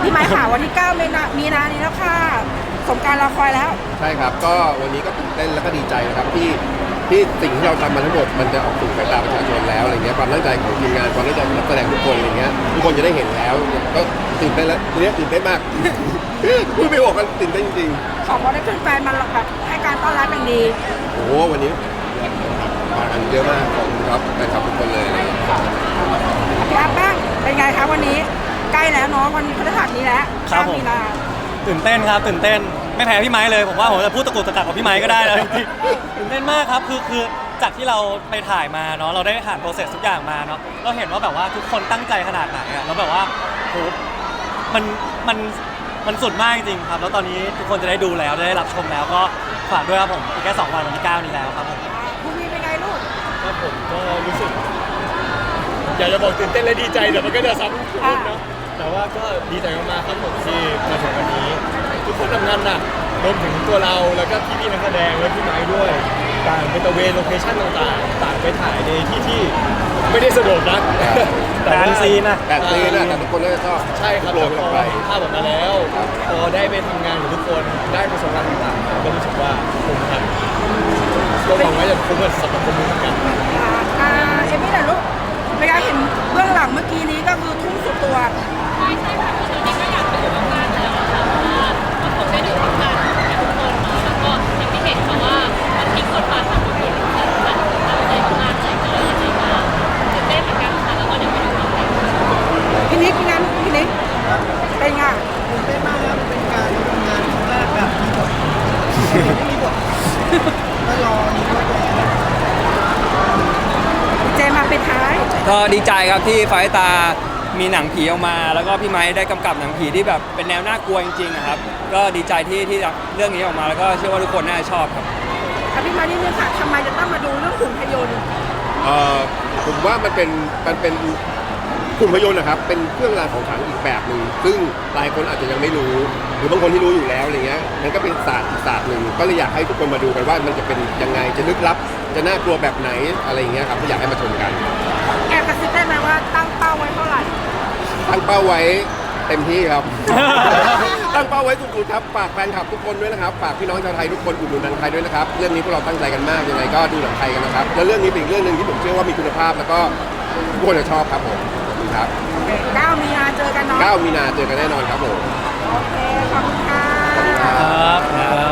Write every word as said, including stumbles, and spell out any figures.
พี่ไม้ข่าววันที่เก้ามีนามีนานี้แล้วค่ะสงกรานต์รอคอยแล้วใช่ครับก็วันนี้ก็ตื่นเต้นแล้วก็ดีใจนะครับที่ที่สิ่งที่เราทำมาทั้งหมดมันจะออกสู่สายตาประชาชนแล้วอะไรเงี้ยความตั้งใจของทีมงานความตั้งใจของนักแสดงทุกคนอะไรเงี้ยทุกคนจะได้เห็นแล้วก็ตื่นเต้นแล้วเนี้ยตื่นเต้นมากพูดไม่บอกกันตื่นเต้นจริงขอบคุณที่แฟนๆมันแบบให้การต้อนรับอย่างดีโอ้วันนี้มากันเยอะมากขอบคุณครับแฟนคลับทุกคนเลยพี่อัพบ้างเป็นไงคะวันนี้ใกล้แล้วเนาะวันพฤหัสนี้แล้วครับผมตื่นเต้นครับตื่นเต้นไม่แพ้พี่ไม้เลยผมว่าผมจะพูดตะกุกตะกักกับพี่ไม้ก็ได้เลยตื่นเต้นมากครับคือคือจากที่เราไปถ่ายมาเนาะเราได้ผ่านโปรเซสทุกอย่างมาเนาะเราเห็นว่าแบบว่าทุกคนตั้งใจขนาดไหนอะแล้วแบบว่าโหมันมันมันสุดมากจริงครับแล้วตอนนี้ทุกคนจะได้ดูแล้วได้รับชมแล้วก็ฝากด้วยครับผมอีกแค่สองวันวันที่เก้านี้แล้วครับผมคุณมีเป็นไงลูกครับผมก็รู้สึกอยากจะบอกตื่นเต้นและดีใจแต่มันก็จะซ้ำทุกคนเนาะแต่ว่าก็ดีใจมากๆครับผมที่มาถึงวันนี้ทุกคนทำงานหนักรวมถึงตัวเราแล้วก็พี่ๆนักแสดงและพี่ไม้ด้วยต่างไปตะเวนโลเคชั่นต่างๆต่างไปถ่ายในที่ที่ไม่ได้สะดวกนักแต่ซีนนะแต่ซีนนะแต่ทุกคนน่าจะชอบใช่ครับแต่พอภาพออกมาแล้วพอได้ไปทำงานกับทุกคนได้ประสบการณ์ต่างๆก็รู้สึกว่าคุ้มครับก็หวังว่าจะคุ้มกับสำหรับคนดูเหมือนกันอ่าเอมี่น่ะลูกเวลาเห็นเบื้องหลังเมื่อกี้นี้ก็คือทุ่มสุดตัวใช่ใช่ค่ะคือตอนนี้ก็อยากไปดูงานแล้วค่ะเพราะว่าผมได้ดูทำงานกับทุกคนเนาะแล้วก็อย่างที่เห็นค่ะว่ามันมีคนมาทำทุกคนที่ตั้งใจทำงานใจก็ยังไงก็ตื่นเต้นเหมือนกันค่ะแล้วก็เดี๋ยวไปดูกันพี่นิกพี่นั้นพี่นิกเป็นไงตื่นเต้นมากครับเป็นการทำงานครั้งแรกแบบมีบทไม่มีบทก็รอนี้ก็เจมาเป็นท้ายก็ดีใจครับที่ไฟตามีหนังผีออกมาแล้วก็พี่ไม้ได้กำกับหนังผีที่แบบเป็นแนวน่ากลัวจริงๆนะครับก็ดีใจที่ที่เรื่องนี้ออกมาแล้วก็เชื่อว่าทุกคนน่าจะชอบครับค่ะพี่ไม้นี่เนี่ยค่ะทำไมจะต้องมาดูเรื่องหุ่นพยนต์เอ่อผมว่ามันเป็นมันเป็นหุ่นพยนต์นะครับเป็นเครื่องรางของขลังอีกแบบหนึ่งซึ่งหลายคนอาจจะยังไม่รู้หรือบางคนที่รู้อยู่แล้วอะไรเงี้ยมันก็เป็นศาสตร์ศาสตร์หนึ่งก็เลยอยากให้ทุกคนมาดูกันว่ามันจะเป็นยังไงจะลึกลับจะน่ากลัวแบบไหนอะไรเงี้ยครับก็อยากให้มาชมกันแอบกระซิบได้ไหมว่าตั้งเป้าไว้เท่าไหร่ตั้งเป้าไว้เต็มที่ครับ ตั้งเป้าไว้สุดๆครับฝากแฟนคลับทุกคนด้วยนะครับฝากพี่น้องชาวไทยทุกคนอุดหนุนหนังไทยด้วยนะครับเรื่องนี้พวกเราตั้งใจกันมากยังไงก็ดูหนังไทยกันนะครับแล้วเรื่องนี้เป็นอีกเรื่องนึงที่ผมเชื่อว่ามีคุณภาพแล้วก็ทุกคนจะชอบครับผมขอบคุณครับเก้ามีนาเจอกันเนาะเก้ามีนาเจอกันแน่นอนครับผมโอเคขอบคุณค่ะครับ